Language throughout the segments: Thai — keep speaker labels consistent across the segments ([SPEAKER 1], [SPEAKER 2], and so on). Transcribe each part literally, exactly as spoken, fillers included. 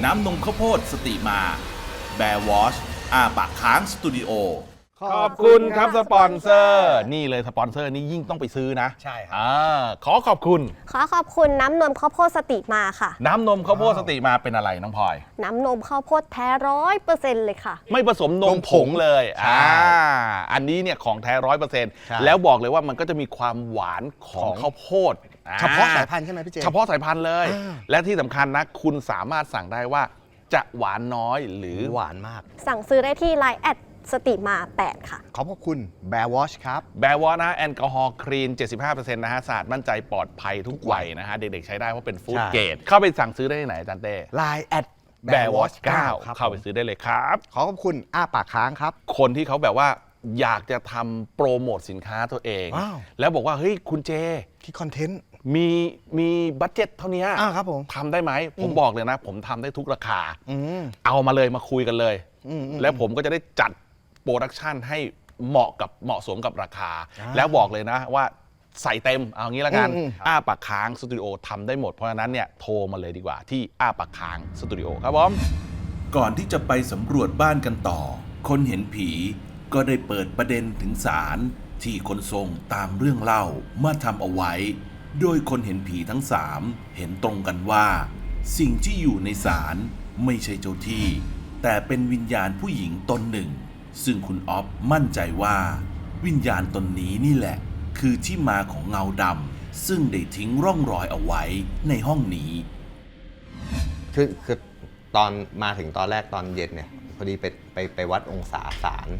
[SPEAKER 1] น้ำนมข้าวโพดสติมาแบร์วอชอาปากค้างสตูดิโอ
[SPEAKER 2] ขอบคุณครับสปอนเซอร์นี่เลยสปอนเซอร์นี่ยิ่งต้องไปซื้อนะ
[SPEAKER 3] ใช่ครับ
[SPEAKER 2] ขอขอบคุณ
[SPEAKER 4] ขอขอบคุณน้ำนมข้าวโพดสติมาค่ะ
[SPEAKER 2] น้ำนมข้าวโพดสติมาเป็นอะไรน้องพลอย
[SPEAKER 4] น้ำนมข้าวโพดแท้ร้อยเปอร์เซ็นต์เลยค่ะ
[SPEAKER 2] ไม่ผสมนมผงเลยอ่าอันนี้เนี่ยของแท้ร้อยเปอร์เซ็นต์แล้วบอกเลยว่ามันก็จะมีความหวานของข้าวโพด
[SPEAKER 3] เฉพาะสายพันธุ์ใช่ไหมพี่เจ
[SPEAKER 2] เฉพาะสายพันธุ์เลยและที่สำคัญนะคุณสามารถสั่งได้ว่าจะหวานน้อยหรือ
[SPEAKER 3] หวานมาก
[SPEAKER 4] สั่งซื้อได้ที่ ไลน์ แอดสติมาแปดค่ะ
[SPEAKER 3] ขอบพระคุณแบร์วอชครับ
[SPEAKER 2] แบร์วอชนะแอลกอฮอล์คลีน เจ็ดสิบห้าเปอร์เซ็นต์ นะฮะสะอาดมั่นใจปลอดภัยทุกวัยนะฮะเด็กๆใช้ได้เพราะเป็นฟู้ดเกรดเข้าไปสั่งซื้อได้ที่ไหนอาจารย์เต้
[SPEAKER 3] ไลน์ แอด
[SPEAKER 2] แบร์วอชเก้าเข้าไปซื้อได้เลยครับ
[SPEAKER 3] ขอขอบคุณอ้าปากค้างครับ
[SPEAKER 2] คนที่เขาแบบว่าอยากจะทำโปรโมทสินค้าตัวเองแล้วบอกว่าเฮ้ยคุณเจ
[SPEAKER 3] ที่คอนเทนต์
[SPEAKER 2] มีมีบัดเจ็ตเท่านี้
[SPEAKER 3] ครับผม
[SPEAKER 2] ทำได้ไหมผมบอกเลยนะผมทำได้ทุกราคาเอามาเลยมาคุยกันเลยแล้วผมก็จะได้จัดโปรดักชันให้เหมาะกับเหมาะสมกับราคาแล้วบอกเลยนะว่าใส่เต็มเอางี้ละกันอ้าปากค้างสตูดิโอทำได้หมดเพราะฉะนั้นเนี่ยโทรมาเลยดีกว่าที่อ้าปากค้างสตูดิโอครับผม
[SPEAKER 1] ก่อนที่จะไปสำรวจบ้านกันต่อคนเห็นผีก็ได้เปิดประเด็นถึงศาลที่คนทรงตามเรื่องเล่ามาทำเอาไว้โดยคนเห็นผีทั้งสามเห็นตรงกันว่าสิ่งที่อยู่ในศาลไม่ใช่เจ้าที่แต่เป็นวิญญาณผู้หญิงตนหนึ่งซึ่งคุณอ๊อฟมั่นใจว่าวิญญาณตนนี้นี่แหละคือที่มาของเงาดำซึ่งได้ทิ้งร่องรอยเอาไว้ในห้องนี้
[SPEAKER 5] คือคือตอนมาถึงตอนแรกตอนเย็นเนี่ยพอดีไปไปไปวัดองศาศาล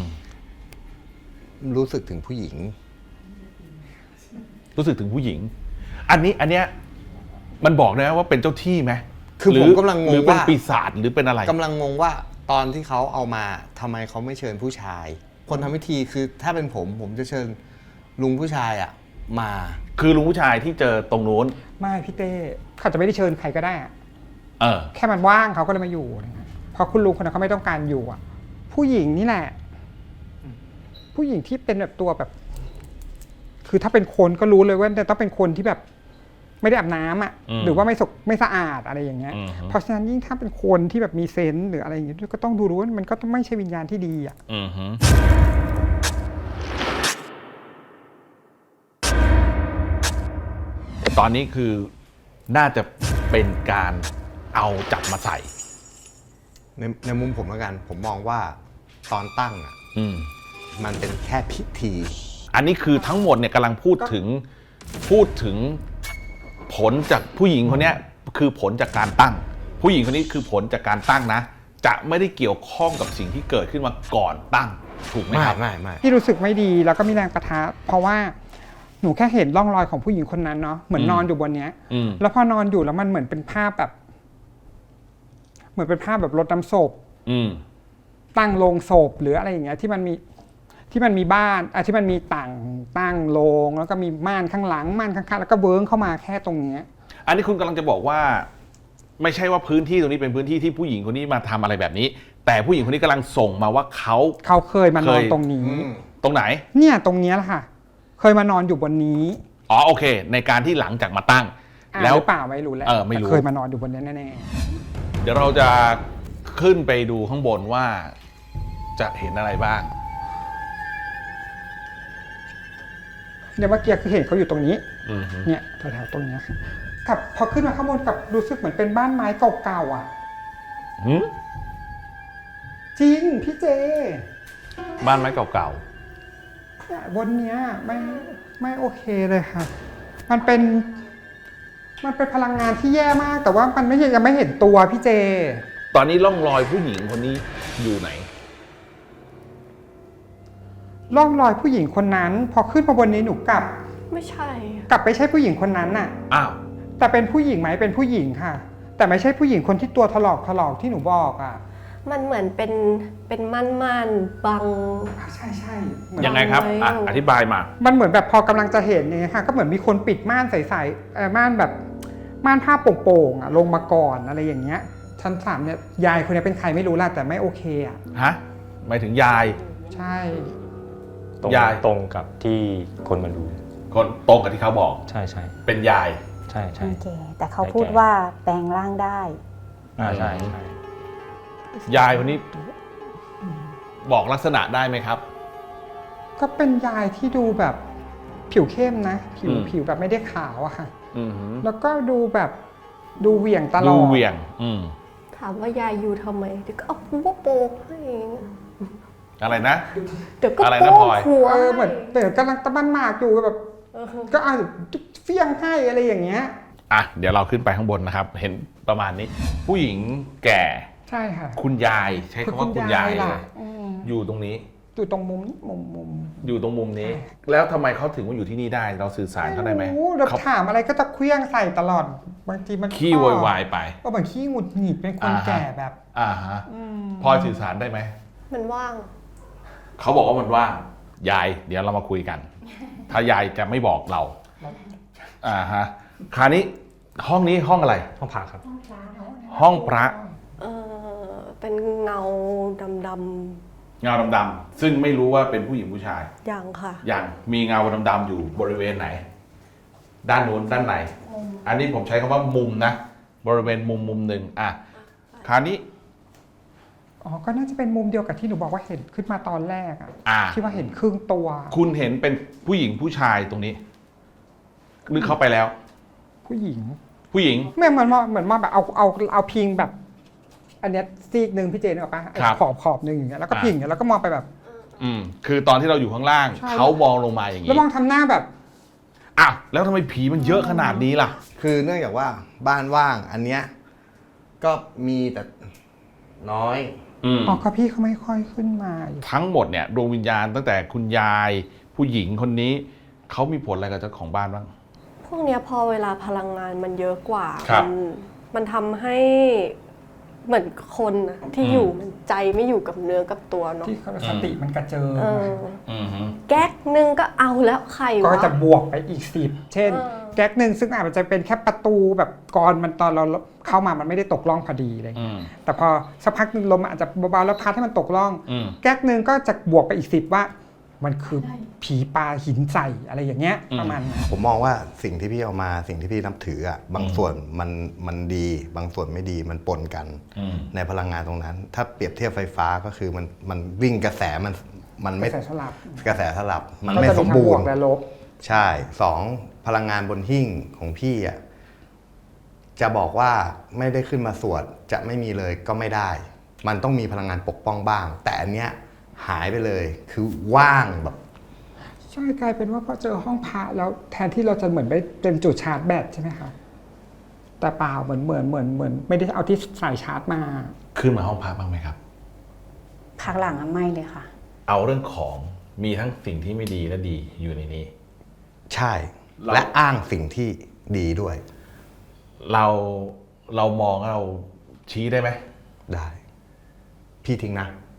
[SPEAKER 5] รู้สึกถึงผู้หญิง
[SPEAKER 2] รู้สึกถึงผู้หญิงอันนี้อันเนี้ยมันบอกนะว่าเป็นเจ้าที่ไหม
[SPEAKER 5] คือผมกำลังงงว่า
[SPEAKER 2] หรือเป็นปีศาจหรือเป็นอะไร
[SPEAKER 5] กำลังงงว่าตอนที่เขาเอามาทำไมเขาไม่เชิญผู้ชายคนทำพิธีคือถ้าเป็นผมผมจะเชิญลุงผู้ชายอ่ะมา
[SPEAKER 2] คือลุงผู้ชายที่เจอตรงนู้น
[SPEAKER 6] ไม่พี่เต้เขาจะไม่ได้เชิญใครก็ได้
[SPEAKER 2] เออ
[SPEAKER 6] แค่มันว่างเขาก็เลยมาอยู่เพราะคุณลุงคนนั้นเขาไม่ต้องการอยู่อ่ะผู้หญิงนี่แหละผู้หญิงที่เป็นแบบตัวแบบคือถ้าเป็นคนก็รู้เลยว่าจะต้องเป็นคนที่แบบไม่ได้อาบน้ำอ่ะหรือว่าไม่สกไม่สะอาดอะไรอย่างเงี้ยเพราะฉะนั้นยิ่งถ้าเป็นคนที่แบบมีเซนส์หรืออะไรอย่างเงี้ยก็ต้องดูรู้ว่ามันก็ต้องไม่ใช่วิญญาณที่ดีอ่ะ
[SPEAKER 2] ตอนนี้คือน่าจะเป็นการเอาจับมาใส่
[SPEAKER 5] ในในมุมผมแล้วกันผมมองว่าตอนตั้งอ่ะมันเป็นแค่พิธี
[SPEAKER 2] อันนี้คือทั้งหมดเนี่ยกำลังพูดถึงพูดถึงผลจากผู้หญิงคนนี้คือผลจากการตั้งผู้หญิงคนนี้คือผลจากการตั้งนะจะไม่ได้เกี่ยวข้องกับสิ่งที่เกิดขึ้นมาก่อนตั้งถูกไหมครับ
[SPEAKER 5] ไม่ไม่
[SPEAKER 6] พี่รู้สึกไม่ดีแล้วก็มีแรงประทะเพราะว่าหนูแค่เห็นร่องรอยของผู้หญิงคนนั้นเนาะเหมือนนอนอยู่บนเนี้ยแล้วพอนอนอยู่แล้วมันเหมือนเป็นภาพแบบเหมือนเป็นภาพแบบรดน้ำศพตั้งโลงศพหรืออะไรอย่างเงี้ยที่มันมีที่มันมีบ้านอ่ะที่มันมีต่างตั้งโลงแล้วก็มีม่านข้างหลังม่านข้างๆแล้วก็เวิ้งเข้ามาแค่ตรงเนี้ย
[SPEAKER 2] อันนี้คุณกำลังจะบอกว่าไม่ใช่ว่าพื้นที่ตรงนี้เป็นพื้นที่ที่ผู้หญิงคนนี้มาทำอะไรแบบนี้แต่ผู้หญิงคนนี้กำลังส่งมาว่าเขา
[SPEAKER 6] เขาเคยมานอนตรงนี้
[SPEAKER 2] ตรงไหน
[SPEAKER 6] เนี่ยตรงเนี้ยแหละค่ะเคยมานอนอยู่บนนี้
[SPEAKER 2] อ๋อโอเคในการที่หลังจากมาตั้ง
[SPEAKER 6] แล้วเปล่าไม่รู้แล้ว
[SPEAKER 2] เออไม่รู้
[SPEAKER 6] เคยมานอนอยู่บนนี้แน่
[SPEAKER 2] ๆเดี๋ยวเราจะขึ้นไปดูข้างบนว่าจะเห็นอะไรบ้าง
[SPEAKER 6] เนี่ยเมื่อกี้คือเห็นเขาอยู่ตรงนี้เนี่ยแถวๆตรงนี้กับพอขึ้นมาข้างบนกับรู้สึกเหมือนเป็นบ้านไม้เก่าๆอ่ะจริงพี่เจ
[SPEAKER 2] บ้านไม้เก่า
[SPEAKER 6] ๆบนเนี้ยไม่ไม่โอเคเลยค่ะมันเป็นมันเป็นพลังงานที่แย่มากแต่ว่ามันไม่ยังไม่เห็นตัวพี่เจ
[SPEAKER 2] ตอนนี้ร่องรอยผู้หญิงคนนี้อยู่ไหน
[SPEAKER 6] ร่องรอยผู้หญิงคนนั้นพอขึ้นมาบนนี้หนูกลับ
[SPEAKER 4] ไม่ใช่
[SPEAKER 6] กลับไม่ใช่ผู้หญิงคนนั้นน่ะ
[SPEAKER 2] อ้าว
[SPEAKER 6] แต่เป็นผู้หญิงไหมเป็นผู้หญิงค่ะแต่ไม่ใช่ผู้หญิงคนที่ตัวถลอกถลอกที่หนูบอกอ่ะ
[SPEAKER 4] มันเหมือนเป็นเป็นม่านๆบัง
[SPEAKER 6] ใช่ใช่
[SPEAKER 2] ยังไงครับอ่ะอธิบายมา
[SPEAKER 6] มันเหมือนแบบพอกำลังจะเห็นเนี่ยค่ะก็เหมือนมีคนปิดม่านใสๆเออม่านแบบม่านผ้าโป่งๆอ่ะลงมาก่อนอะไรอย่างเงี้ยชั้นสามเนี่ยยายคนนี้เป็นใครไม่รู้ล่ะแต่ไม่โอเคอ่ะ
[SPEAKER 2] ฮะหมายถึงยาย
[SPEAKER 6] ใช่
[SPEAKER 7] ตรงตรงกับที่คนมาดู
[SPEAKER 2] คนตรงกับที่เขาบอก
[SPEAKER 7] ใช่ใช่
[SPEAKER 2] เป็นยาย
[SPEAKER 7] ใช่ใช่
[SPEAKER 8] แต่เขาพูดว่าแปลงร่างได้
[SPEAKER 7] อ่าใช่ใช่
[SPEAKER 2] ยายคนนี้บอกลักษณะได้ไหมครับ
[SPEAKER 6] ก็เป็นยายที่ดูแบบผิวเข้มนะ ผิว
[SPEAKER 2] อืม
[SPEAKER 6] ผิวแบบไม่ได้ขาวอะค่ะ
[SPEAKER 2] อืม
[SPEAKER 6] แล้วก็ดูแบบดูเหวี่ยงตล
[SPEAKER 2] ดู
[SPEAKER 6] อด
[SPEAKER 2] เหวี่ยง อืม
[SPEAKER 4] ถามว่ายายอยู่ทำไมเดี๋ยวก็เอาหัวโปกให้
[SPEAKER 2] อะไรนะ
[SPEAKER 4] เดี๋ยวก็
[SPEAKER 2] อะไร
[SPEAKER 4] โป
[SPEAKER 2] นะพล
[SPEAKER 4] ก
[SPEAKER 2] อย
[SPEAKER 4] หัว
[SPEAKER 6] เออเหมือนเหมือนกำลังตะบันหมากอยู่แบบ ก็เอาเฟี้ยงให้อะไรอย่างเงี้ย
[SPEAKER 2] อ่ะเดี๋ยวเราขึ้นไปข้างบนนะครับ เห็นประมาณนี้ ผู้หญิงแก่
[SPEAKER 6] ใช่ค่ะ
[SPEAKER 2] คุณยายใช้คำว่าคุณยายเล
[SPEAKER 6] ล่ะ
[SPEAKER 2] ย
[SPEAKER 6] อืม
[SPEAKER 2] อยู่ตรงนี้
[SPEAKER 6] อยู่ตรงมุมมุมมุม
[SPEAKER 2] อยู่ตรงมุมนี้ แล้วทำไมเขาถึงมาอยู่ที่นี่ได้ เราสื่อสารเขาได้ไหม
[SPEAKER 6] โอ้เรา
[SPEAKER 2] เขา
[SPEAKER 6] ถามอะไรก็จะเคลี้ยงใส่ตลอดบางทีมัน
[SPEAKER 2] ขี้โวยวายไป
[SPEAKER 6] ก็เหมือนขี้หงุดหงิดเป็นคน
[SPEAKER 2] อ่าฮะ
[SPEAKER 6] แก่แบบ
[SPEAKER 2] อ่าฮะพลอยสื่อสารได้ไหม
[SPEAKER 4] มันว่าง
[SPEAKER 2] เขาบอกว่ามันว่างยาย เดี๋ยวเรามาคุยกัน ถ้ายายจะไม่บอกเรา อ่าฮะ คราวนี้ห้องนี้ห้องอะไร
[SPEAKER 7] ห้องพักครับ
[SPEAKER 2] ห้องพระ
[SPEAKER 4] เออเป็นเงาดำ
[SPEAKER 2] เงาดำๆซึ่งไม่รู้ว่าเป็นผู้หญิงผู้ชาย
[SPEAKER 4] ๆอย่างค่ะ
[SPEAKER 2] อย่างมีเงาดำๆอยู่บริเวณไหน ด้านนู้นด้านไหน อันนี้ผมใช้คำว่ามุมนะ บริเวณมุมมุมหนึ่งอ่ะ คราวนี้
[SPEAKER 6] อ๋อ ก็น่าจะเป็นมุมเดียวกับที่หนูบอกว่าเห็นขึ้นมาตอนแรกอะ
[SPEAKER 2] อ่า
[SPEAKER 6] ที่ว่าเห็นครึ่งตัว
[SPEAKER 2] คุณเห็นเป็นผู้หญิงผู้ชายตรงนี้หรือเข้าไปแล้ว
[SPEAKER 6] ผู้หญิง
[SPEAKER 2] ผู้หญิง
[SPEAKER 6] ไม่เหมือนมองเหมือนมองแบบเอาเอาเอาพิงแบบ อันเนี้ยซีกหนึ่งพี่เจนออกปะไอ้
[SPEAKER 2] ครับ
[SPEAKER 6] ขอบขอบหนึ่งอย่างเงี้ยแล้วก็
[SPEAKER 2] อ่า
[SPEAKER 6] พิงอย่างเงี้ยแล้วก็มองไปแบบ
[SPEAKER 2] อืมคือตอนที่เราอยู่ข้างล่าง
[SPEAKER 6] ใช่
[SPEAKER 2] เขามองลงมาอย่าง
[SPEAKER 6] แล้ว
[SPEAKER 2] นี้
[SPEAKER 6] มองทำหน้าแบบ
[SPEAKER 2] อ้าวแล้วทำไมผีมันเยอะขนาดนี้ล่ะ
[SPEAKER 5] คือเนื่องจากว่าบ้านว่างอันเนี้ยก็มีแต่น้อย
[SPEAKER 2] อืม
[SPEAKER 6] อ๋อก็พี่เขาไม่ค่อยขึ้นมาอยู่
[SPEAKER 2] ทั้งหมดเนี่ยดวงวิญญาณตั้งแต่คุณยาย ผู้หญิงคนนี้เขามีผลอะไรกับเจ้าของบ้านบ้าง
[SPEAKER 4] พวกเนี้ยพอเวลาพลังงานมันเยอะกว่า
[SPEAKER 2] ครับ
[SPEAKER 4] มันมันทำให้เหมือนคนน่ะที่
[SPEAKER 2] อืม
[SPEAKER 4] อยู่มันใจไม่อยู่กับเนื้อกับตัวเนาะ
[SPEAKER 6] ที่เขาสติมันกระเจิง
[SPEAKER 4] เออ
[SPEAKER 2] อืมฮึ
[SPEAKER 4] แก๊กนึงก็เอาแล้วใคร
[SPEAKER 6] ก็
[SPEAKER 4] วะ
[SPEAKER 6] จะบวกไปอีกสิบเช่น
[SPEAKER 4] เออ
[SPEAKER 6] แก๊กหนึ่งซึ่งอาจจะเป็นแค่ประตูแบบกรมันตอนเราเข้ามามันไม่ได้ตกล่องพอดีเลย
[SPEAKER 2] อืม
[SPEAKER 6] แต่พอสักพักหนึ่งลมอาจจะเบาๆแล้วพัดให้มันตกล่อง
[SPEAKER 2] อืม
[SPEAKER 6] แก๊กหนึ่งก็จะบวกไปอีกสิบว่า มันคือผีปลาหินใส่อะไรอย่างเงี้ย
[SPEAKER 2] อืม
[SPEAKER 6] ประมาณนั้น
[SPEAKER 5] ผมมองว่าสิ่งที่พี่เอามาสิ่งที่พี่นับถืออ่ะบางส่วนมันมันดี บางส่วนไม่ดีมันปนกัน
[SPEAKER 2] อืม
[SPEAKER 5] ในพลังงานตรงนั้น ถ้าเปรียบเทียบไฟฟ้าก็คือมันมันวิ่งกระแสมันมันไม่
[SPEAKER 6] กระแสสลับ
[SPEAKER 5] กระแสสลับมัน
[SPEAKER 6] ก็
[SPEAKER 5] ไม่
[SPEAKER 6] จะ
[SPEAKER 5] ส
[SPEAKER 6] มี
[SPEAKER 5] ม
[SPEAKER 6] ทั้ง
[SPEAKER 5] บู
[SPEAKER 6] บว
[SPEAKER 5] ร
[SPEAKER 6] ก
[SPEAKER 5] ณ์
[SPEAKER 6] และลบ
[SPEAKER 5] ใช่สองพลังงานบนหิ้งของพี่อ่ะจะบอกว่าไม่ได้ขึ้นมาสวดจะไม่มีเลยก็ไม่ได้ มันต้องมีพลังงานปกป้องบ้าง แต่อันเนี้ยหายไปเลยคือว่างแบบ
[SPEAKER 6] ใช่กลายเป็นว่าพอเจอห้องพระแล้วแทนที่เราจะเหมือนไปเป็นจุดชาร์จแบตใช่ไหมคะแต่เปล่าเหมือนเหมือนเหมือนเหมือนไม่ได้เอาที่สายชาร์จมา
[SPEAKER 2] ขึ้นมาห้องพักบ้างไหมครับ
[SPEAKER 8] พักหลังอะไม่เลยค่ะ
[SPEAKER 2] เอาเรื่องของมีทั้งสิ่งที่ไม่ดีและดีอยู่ในนี้
[SPEAKER 5] ใช่
[SPEAKER 2] เรา
[SPEAKER 5] และอ้างสิ่งที่ดีด้วย
[SPEAKER 2] เราเรามองเราชี้ได้ไหม
[SPEAKER 5] ได้ พี่ทิ้งนะ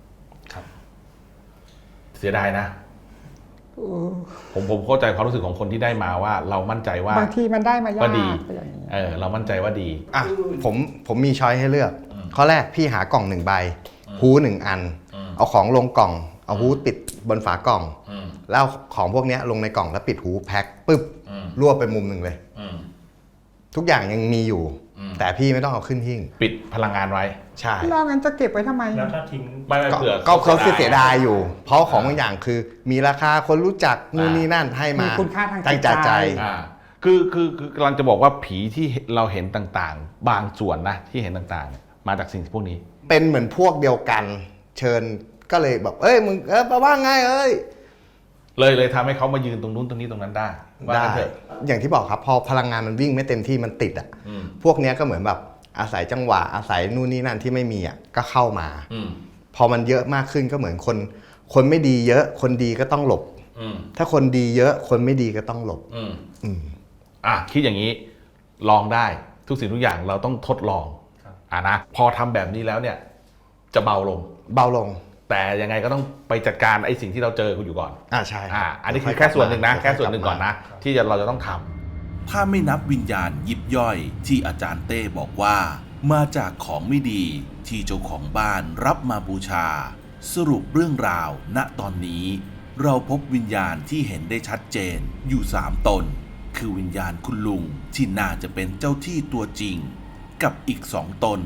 [SPEAKER 2] เสียดายนะ ผมผมเข้าใจความรู้สึกของคนที่ได้มาว่า เรามั่นใจว่า
[SPEAKER 6] บางทีมันได้มา
[SPEAKER 2] ว่าย
[SPEAKER 6] าก
[SPEAKER 2] ดี
[SPEAKER 6] อะไรอย่างเงี้ย
[SPEAKER 2] เออเรามั่นใจว่าดี
[SPEAKER 5] อ่ะผมผมมีช้อยให้เลือก ข้อแรกพี่หากล่องหนึ่งใบฮูหนึ่งอัน
[SPEAKER 2] อืม
[SPEAKER 5] เอาของลงกล่อง เอาฮูปิดบนฝากล่อง
[SPEAKER 2] อืม
[SPEAKER 5] แล้วเอาของพวกเนี้ยลงในกล่องแล้วปิดหูแพ็คปึ๊บ
[SPEAKER 2] อืม
[SPEAKER 5] รวบไปมุมหนึ่งเลย
[SPEAKER 2] อืม
[SPEAKER 5] ทุกอย่างยังมีอยู่
[SPEAKER 2] อืม
[SPEAKER 5] แต่พี่ไม่ต้องเอาขึ้นหิ้ง
[SPEAKER 2] ปิดพลังงานไว้
[SPEAKER 5] ใช่
[SPEAKER 6] แล้วงั้นจะเก็บไว้ทำไม
[SPEAKER 7] แล้วถ้าทิ้ง
[SPEAKER 2] ไม่ไม่
[SPEAKER 5] ก็
[SPEAKER 2] เผื่อ
[SPEAKER 5] ก็เขาเสียดายอยู่ เพราะของบางอย่างคือ มีราคาคนรู้จักนู่นนี่นั่นให้มา
[SPEAKER 6] มีคุณค่าทางจิตใจ
[SPEAKER 5] ตั้งจากใจ
[SPEAKER 2] อ่าคือคือคือกำลังจะบอกว่าผีที่เราเห็นต่างๆ บางส่วนนะที่เห็นต่างๆเนี่ยมาจากสิ่งพวกนี้
[SPEAKER 5] เป็นเหมือนพวกเดียวกัน เชิญก็เลยแบบเอ้ยมึงเออมาว่าไงเอ้ย
[SPEAKER 2] เลยเลยทำให้เขามายืนตรงนู้นตรงนี้ตรงนั้นได้ว่า
[SPEAKER 5] ได้
[SPEAKER 2] งั้นเถอะ
[SPEAKER 5] อย่างที่บอกครับ พอพลังงานมันวิ่งไม่เต็มที่มันติดอ่ะ
[SPEAKER 2] อืม
[SPEAKER 5] พวกเนี้ยก็เหมือนแบบอาศัยจังหวะอาศัยนู่นนี่นั่นที่ไม่มีอ่ะก็เข้ามา
[SPEAKER 2] อืม
[SPEAKER 5] พอมันเยอะมากขึ้นก็เหมือนคน คนไม่ดีเยอะ คนดีก็ต้องหลบ
[SPEAKER 2] อืม
[SPEAKER 5] ถ้าคนดีเยอะ คนไม่ดีก็ต้องหลบ
[SPEAKER 2] อืม
[SPEAKER 5] อืม
[SPEAKER 2] อ่ะคิดอย่างนี้ลองได้ทุกสิ่งทุกอย่างเราต้องทดลองอ่ะนะพอทำแบบนี้แล้วเนี่ย จะเบาลง
[SPEAKER 5] เบาลง
[SPEAKER 2] แต่ยังไงก็ต้องไปจัดการไอ้สิ่งที่เราเจอคุณอยู่ก่อน
[SPEAKER 5] อ่าใช่
[SPEAKER 2] อ่าอันนี้คือแค่ส่วนหนึ่งนะ
[SPEAKER 5] ค่อยๆ
[SPEAKER 2] แค่ส่วนหนึ่งก่อนนะ ที่จะเราจะต้องทำ
[SPEAKER 1] ถ้าไม่นับวิญญาณยิบย่อยที่อาจารย์เต้บอกว่า มาจากของไม่ดีที่เจ้าของบ้านรับมาบูชา สรุปเรื่องราว ณตอนนี้ เราพบวิญญาณที่เห็นได้ชัดเจนอยู่สามตน คือวิญญาณคุณลุงที่น่าจะเป็นเจ้าที่ตัวจริง กับอีกสองตน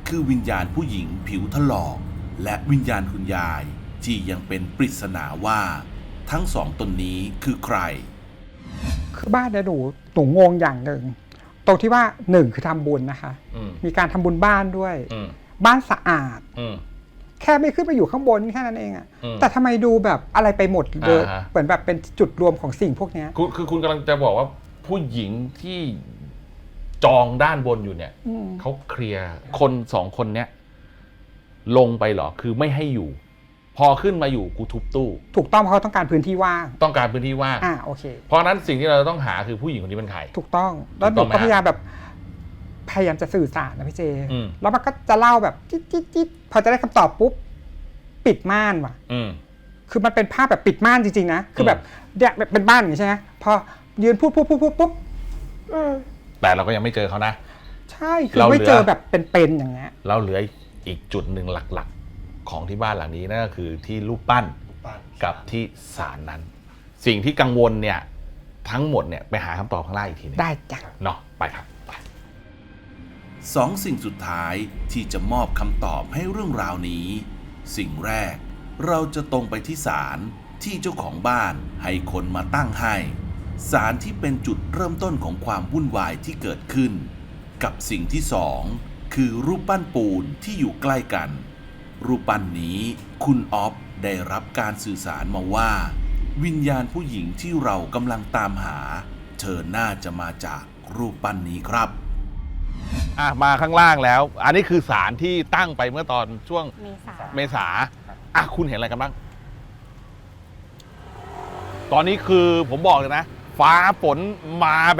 [SPEAKER 1] คือวิญญาณผู้หญิงผิวถลอกและวิญญาณคุณยายที่ยังเป็นปริศนาว่าทั้งสองตนนี้คือใคร
[SPEAKER 6] คือบ้านเนี่ยหนูหนูงงอย่างหนึ่งตรงที่ว่าหนึ่งคือทำบุญนะคะ
[SPEAKER 2] อืม
[SPEAKER 6] มีการทำบุญบ้านด้วย
[SPEAKER 2] อืม
[SPEAKER 6] บ้านสะอาด
[SPEAKER 2] อืม
[SPEAKER 6] แค่ไม่ขึ้นไปอยู่ข้างบนแค่นั้นเองอะ
[SPEAKER 2] อืม
[SPEAKER 6] แต่ทำไมดูแบบอะไรไปหมดเลย
[SPEAKER 2] อ่าฮะ
[SPEAKER 6] เหมือนแบบเป็นจุดรวมของสิ่งพวกเนี้ย
[SPEAKER 2] คือคือคุณกำลังจะบอกว่าผู้หญิงที่จองด้านบนอยู่เนี่ย
[SPEAKER 6] อืม
[SPEAKER 2] เขาเคลียร์คนสองคนเนี้ยลงไปเหรอคือไม่ให้อยู่ พอขึ้นมาอยู่กูทุบตู้
[SPEAKER 6] ถูกต้องเพราะเขาต้องการพื้นที่ว่าง
[SPEAKER 2] ต้องการพื้นที่ว่าง
[SPEAKER 6] อ่าโอเค
[SPEAKER 2] เพราะฉะนั้นสิ่งที่เราต้องหาคือผู้หญิงคนนี้เป็นใคร
[SPEAKER 6] ถูกต้องแล้วห
[SPEAKER 2] ถู
[SPEAKER 6] นู
[SPEAKER 2] กต้องไหม
[SPEAKER 6] ก็พยายามแบบพยายามจะสื่อสารนะพี่เจ
[SPEAKER 2] อืม
[SPEAKER 6] แล้วมันก็จะเล่าแบบจิ๊ดจิ๊ดจิ๊ดพอจะได้คำตอบปุ๊บปิดม่านว่ะ
[SPEAKER 2] อืม
[SPEAKER 6] คือมันเป็นภาพแบบปิดม่านจริงๆนะคือแบบเนี่ยแบบเป็นบ้านอย่างนี้ใช่ไหมพอยืนพูดพูดพูดพูดปุ๊บอืม
[SPEAKER 2] แต่เราก็ยังไม่เจอเขานะ
[SPEAKER 6] ใช่คือ
[SPEAKER 2] เราเหลือ
[SPEAKER 6] ไม่เจอแบบเป็นๆอย่างเงี้ย
[SPEAKER 2] เราเหลืออีกจุดหนึ่งหลักๆ ของที่บ้านหลังนี้นั่นก็คือที่รูปปั้นกับที่ศาลนั้น สิ่งที่กังวลเนี่ยทั้งหมดเนี่ยไปหาคำตอบข้างล่างอีกทีหนึง
[SPEAKER 6] ได้จ้ะ
[SPEAKER 2] เนาะไปครับไป
[SPEAKER 1] สองสิ่งสุดท้ายที่จะมอบคำตอบให้เรื่องราวนี้ สิ่งแรกเราจะตรงไปที่ศาลที่เจ้าของบ้านให้คนมาตั้งให้ศาลที่เป็นจุดเริ่มต้นของความวุ่นวายที่เกิดขึ้น กับสิ่งที่สองคือรูปปั้นปูนที่อยู่ใกล้กัน รูปปั้นนี้คุณออฟได้รับการสื่อสารมาว่า วิญญาณผู้หญิงที่เรากำลังตามหา เธอน่าจะมาจากรูปปั้นนี้ครับ
[SPEAKER 2] อ่ะมาข้างล่างแล้ว อันนี้คือศาลที่ตั้งไปเมื่อตอนช่วง
[SPEAKER 8] เมษา
[SPEAKER 2] เมษาอ่ะคุณเห็นอะไรกันบ้าง ตอนนี้คือผมบอกเลยนะ ฟ้าฝนมาแบบ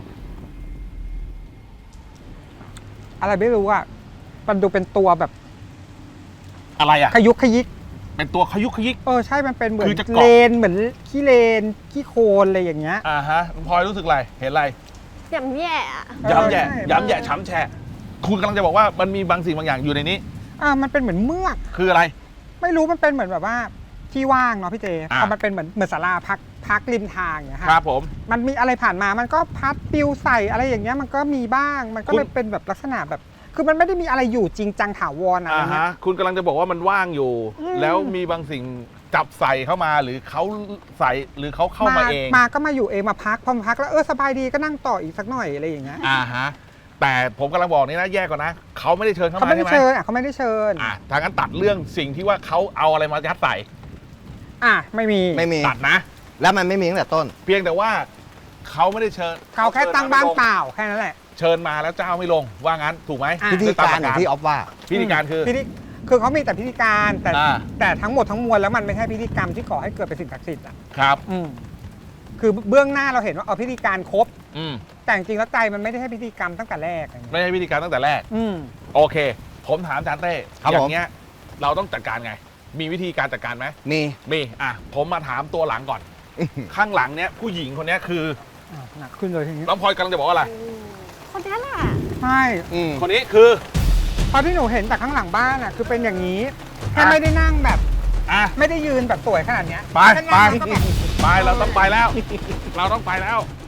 [SPEAKER 6] อะไรไม่รู้อ่ะมันดูเป็นตัวแบบ
[SPEAKER 2] อะไรอ่ะ
[SPEAKER 6] ขยุกขยิก
[SPEAKER 2] เป็นตัวขยุกขยิก
[SPEAKER 6] เออใช่มันเป็นเหมือน
[SPEAKER 2] คือจะเกาะ
[SPEAKER 6] เลนเหมือนขี้เลนขี้โคลนอะไรอย่างเงี้ย
[SPEAKER 2] อ่าฮะพลอยรู้สึกอะไร เห็นอะไร
[SPEAKER 4] ย่ำแย่อะ
[SPEAKER 6] เออ
[SPEAKER 2] ย้ำแย่
[SPEAKER 6] ใช่
[SPEAKER 2] ย้ำแย่ช้ำแฉะคุณกำลังจะบอกว่ามันมีบางสิ่งบางอย่างอยู่ในนี้
[SPEAKER 6] อ่ามันเป็นเหมือนเมือก
[SPEAKER 2] คืออะไร
[SPEAKER 6] ไม่รู้มันเป็นเหมือนแบบว่าที่ว่างเนาะพี่เจ
[SPEAKER 2] อ่ะ
[SPEAKER 6] พอมันเป็นเหมือนเหมือนศาลาพักพักริมทางอย่างเงี้ย
[SPEAKER 2] ครั
[SPEAKER 6] ค่ะ
[SPEAKER 2] บผม
[SPEAKER 6] มันมีอะไรผ่านมามันก็พัดปลิวใส่อะไรอย่างเงี้ยมันก็มีบ้างมันก็
[SPEAKER 2] คุณ
[SPEAKER 6] เลยเป็นแบบลักษณะแบบ คือมันไม่ได้มีอะไรอยู่จริงจังถาวรอะไร
[SPEAKER 2] อ่า
[SPEAKER 6] เงี้
[SPEAKER 2] ฮะ
[SPEAKER 6] ย
[SPEAKER 2] คุณกำลังจะบอกว่ามันว่างอยู่
[SPEAKER 6] อืม
[SPEAKER 2] แล้วมีบางสิ่งจับใส่เข้ามาหรือเขาใส่หรือเขาเข้ามาเอง
[SPEAKER 6] มาก็มาอยู่เองมาพักพอมาพักแล้วเออสบายดีก็นั่งต่ออีกสักหน่อยอะไรอย่างเงี้ย
[SPEAKER 2] อ่าฮะแต่ผมกำลังบอกนี่นะแยกก่อนนะเขาไม่ได้เชิญเข้า
[SPEAKER 6] เขา
[SPEAKER 2] มา
[SPEAKER 6] ไม่ได้
[SPEAKER 2] ใช่ไหม
[SPEAKER 6] เชิญอ่ะเขาไม่ได้เชิญ
[SPEAKER 2] อ่ะทางนั้นตัดเรื่องสิ่งที่ว่าเขาเอาอะไรมายัดใส่
[SPEAKER 6] อ่ะไม่มี
[SPEAKER 5] ไม่มี
[SPEAKER 2] ตัดนะ
[SPEAKER 5] แล้วมันไม่มีตั้งแต่ต้น
[SPEAKER 2] เพียงแต่ว่าเขาไม่ได้เชิญ
[SPEAKER 6] เขาแค่ตั้งบ้านเปล่าแค่นั้นแหละ
[SPEAKER 2] เชิญมาแล้วเจ้าไม่ลงว่างั้นถูกไหม
[SPEAKER 6] อ่ะ
[SPEAKER 5] พิธีการอย่างที่ออฟว่า
[SPEAKER 2] พิธีการคือ
[SPEAKER 6] พิธีคือเขามีแต่พิธีการแต่
[SPEAKER 2] อ่า
[SPEAKER 6] แต่ทั้งหมดทั้งมวลแล้วมันไม่ใช่พิธีกรรมที่ก่อให้เกิดเป็นสิ่งศักดิ์สิทธิ์อ่ะ
[SPEAKER 2] ครับ
[SPEAKER 6] อืมคือเบื้องหน้าเราเห็นว่าเอาพิธีการครบ
[SPEAKER 2] อืม
[SPEAKER 6] แต่จริงๆแล้วใจมันไม่ได้ให้พิธีกรรมตั้งแต่แรกอะไรเงี้ย
[SPEAKER 2] ไม่ใช่พิธีการตั้งแต่แรก
[SPEAKER 6] อืม
[SPEAKER 2] โอเค ผมถามอาจารย์เต้
[SPEAKER 5] ครับ
[SPEAKER 2] อย่า
[SPEAKER 5] ผม
[SPEAKER 2] งเงี้ยเราต้องจัดการไง มีวิธีการจัดการไหม
[SPEAKER 5] มี
[SPEAKER 2] มีอ่ะผมมาถามตัวหลังก่อน ข้างหลังเนี้ยผู้หญิงคนเนี้ยคือ
[SPEAKER 6] อ่ะหนักขึ้นเลยทีนี้
[SPEAKER 2] น้องพลอยกำลังจะบอกว่าอะไร
[SPEAKER 4] คนนี้แหละ
[SPEAKER 6] ใช่
[SPEAKER 5] อืม
[SPEAKER 2] คนนี้คือ
[SPEAKER 6] เพราะที่หนูเห็นจากข้างหลังบ้านอ่ะคือเป็นอย่างนี้แค่
[SPEAKER 2] อ่ะ
[SPEAKER 6] ไม่ได้นั่งแบบ
[SPEAKER 2] อ่ะ
[SPEAKER 6] ไม่ได้ยืนแบบสวยขนาดเนี้ย
[SPEAKER 2] ไป
[SPEAKER 6] แค่
[SPEAKER 2] ไป
[SPEAKER 6] นั่งแล้วก็แบบ
[SPEAKER 2] ไปเราต้องไปแล้ว เราต้องไปแล้ว